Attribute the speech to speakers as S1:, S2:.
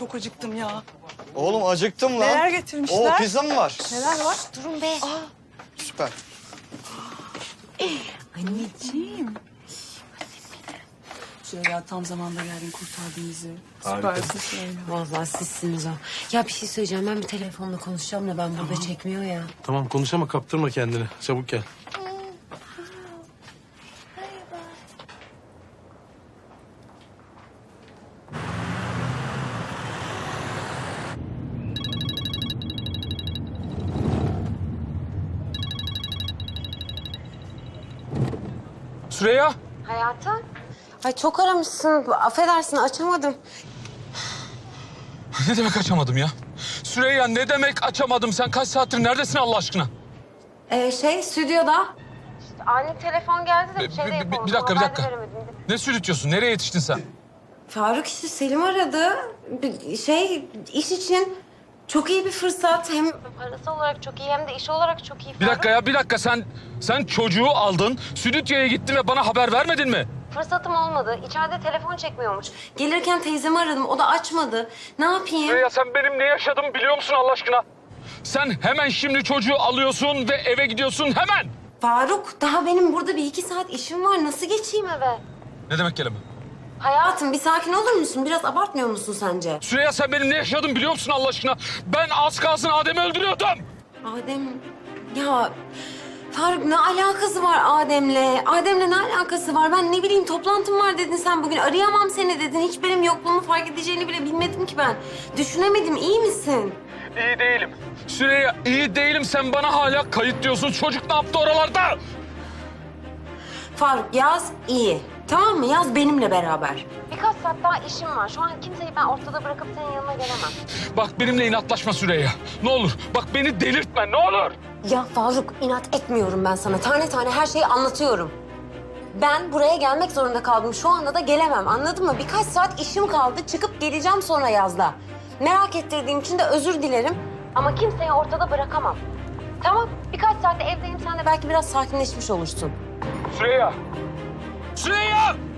S1: çok acıktım ya.
S2: Oğlum acıktım lan.
S1: Neler getirmişler?
S2: Oo, pizza mı var?
S1: Neler var?
S3: Durun be.
S2: Süper.
S1: Anneciğim. Süreyya tam zamanda geldin, kurtardın bizi. Süpersin Süreyya.
S3: Vallahi sizsiniz o. Ya bir şey söyleyeceğim. Ben bir telefonla konuşacağım da ben burada çekmiyor ya.
S4: Tamam konuş ama kaptırma kendini. Çabuk gel.
S5: Süreyya.
S3: Hayatım. Ay çok aramışsın. Affedersin açamadım.
S5: Ne demek açamadım ya? Süreyya ne demek açamadım? Sen kaç saattir neredesin Allah aşkına?
S3: Stüdyoda. İşte ani telefon geldi de bir şey de yapamadım.
S5: Bir dakika, bir
S3: Haber
S5: dakika.
S3: veremedim.
S5: Ne sürütüyorsun? Nereye yetiştin sen?
S3: Faruk işte Selim aradı. İş için çok iyi bir fırsat. Hem parası olarak çok iyi hem de iş olarak çok iyi.
S5: Bir dakika ya, bir dakika. Sen çocuğu aldın, stüdyoya gittin ve bana haber vermedin mi?
S3: Fırsatım olmadı. İçeride telefon çekmiyormuş. Gelirken teyzemi aradım. O da açmadı. Ne yapayım?
S5: Süreyya sen benim ne yaşadığımı biliyor musun Allah aşkına? Sen hemen şimdi çocuğu alıyorsun ve eve gidiyorsun hemen.
S3: Faruk, daha benim burada bir iki saat işim var. Nasıl geçeyim eve?
S5: Ne demek kelime?
S3: Hayatım bir sakin olur musun? Biraz abartmıyor musun sence?
S5: Süreyya sen benim ne yaşadığımı biliyor musun Allah aşkına? Ben az kalsın Adem'i öldürüyordum.
S3: Adem... Ya Faruk ne alakası var Adem'le? Adem'le ne alakası var? Ben ne bileyim toplantım var dedin sen bugün. Arayamam seni dedin. Hiç benim yokluğumu fark edeceğini bile bilmedim ki ben. Düşünemedim. İyi misin?
S5: İyi değilim. Süreyya iyi değilim. Sen bana hala kayıt diyorsun. Çocuk ne yaptı oralarda?
S3: Faruk yaz iyi. Tamam mı? Yaz benimle beraber. Birkaç saat daha işim var. Şu an kimseyi ben ortada bırakıp senin yanına gelemem.
S5: Bak benimle inatlaşma Süreyya. Ne olur. Bak beni delirtme ne olur.
S3: Ya Faruk inat etmiyorum ben sana. Tane tane her şeyi anlatıyorum. Ben buraya gelmek zorunda kaldım. Şu anda da gelemem. Anladın mı? Birkaç saat işim kaldı. Çıkıp geleceğim sonra yazda. Merak ettirdiğim için de özür dilerim. Ama kimseyi ortada bırakamam. Tamam. Birkaç saatte evdeyim. Sen de belki biraz sakinleşmiş olursun.
S5: Süreyya. Süreyya!